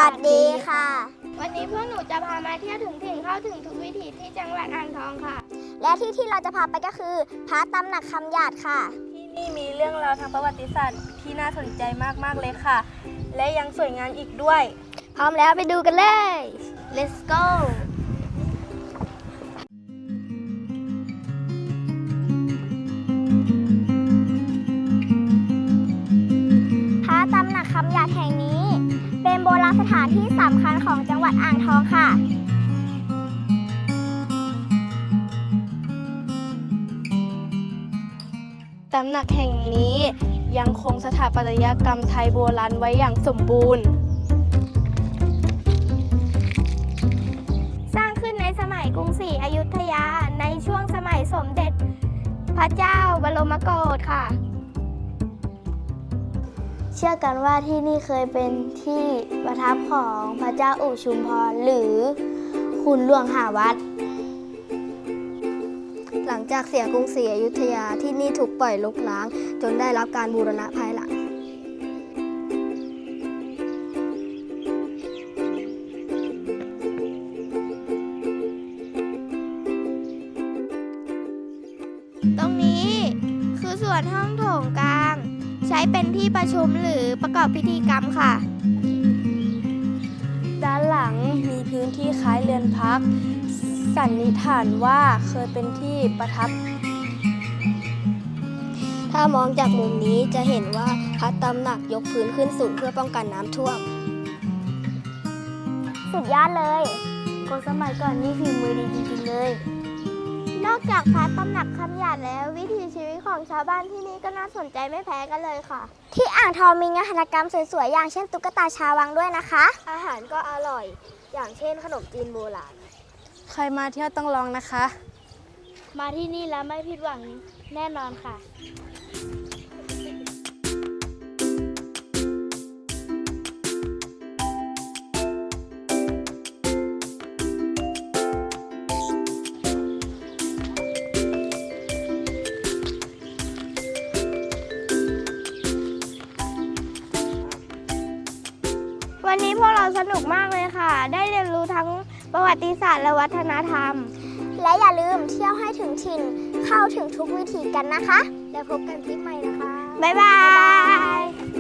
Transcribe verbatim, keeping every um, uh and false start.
วัสดีค่ะวันนี้พวกหนูจะพามาเที่ยวถึงถิ่นเข้าถึงทุกวิถีที่จังหวัดอ่างทองค่ะและที่ที่เราจะพาไปก็คือพระตำหนักคำหยาดค่ะที่นี่มีเรื่องราวทางประวัติศาสตร์ที่น่าสนใจมากๆเลยค่ะและยังสวยงามอีกด้วยพร้อมแล้วไปดูกันเลย let's go พระตำหนักคำหยาดแห่งนี้เป็นโบราณสถานที่สำคัญของจังหวัดอ่างทองค่ะตำหนักแห่งนี้ยังคงสถาปัตยกรรมไทยโบราณไว้อย่างสมบูรณ์สร้างขึ้นในสมัยกรุงศรีอยุธยาในช่วงสมัยสมเด็จพระเจ้าบรมโกศค่ะเชื่อกันว่าที่นี่เคยเป็นที่ประทับของพระเจ้าอู่ชุมพรหรือขุนหลวงหาวัดหลังจากเสียกรุงศรีอยุธยาที่นี่ถูกปล่อยรกร้างจนได้รับการบูรณะภายหลังตรงนี้คือส่วนห้องโถงกลางใช้เป็นที่ประชุมหรือประกอบพิธีกรรมค่ะด้านหลังมีพื้นที่คล้ายเรือนพักสันนิษฐานว่าเคยเป็นที่ประทับถ้ามองจากมุมนี้จะเห็นว่าพระตำหนักยกพื้นขึ้นสูงเพื่อป้องกันน้ำท่วมสุดยอดเลยคนสมัยก่อนนี่ฝีมือดีจริงๆเลยนอกจากพระตำหนักคำหยาดแล้ววิถีชีวิตของชาวบ้านที่นี่ก็น่าสนใจไม่แพ้กันเลยค่ะที่อ่างทองมีงานหัตถกรรมสวยๆอย่างเช่นตุ๊กตาชาววังด้วยนะคะอาหารก็อร่อยอย่างเช่นขนมจีนโบราณใครมาเที่ยวต้องลองนะคะมาที่นี่แล้วไม่ผิดหวังแน่นอนค่ะวันนี้พวกเราสนุกมากเลยค่ะได้เรียนรู้ทั้งประวัติศาสตร์และวัฒนธรรมและอย่าลืมเที่ยวให้ถึงถิ่นเข้าถึงทุกวิถีกันนะคะแล้วพบกันคลิปใหม่นะคะบ๊ายบาย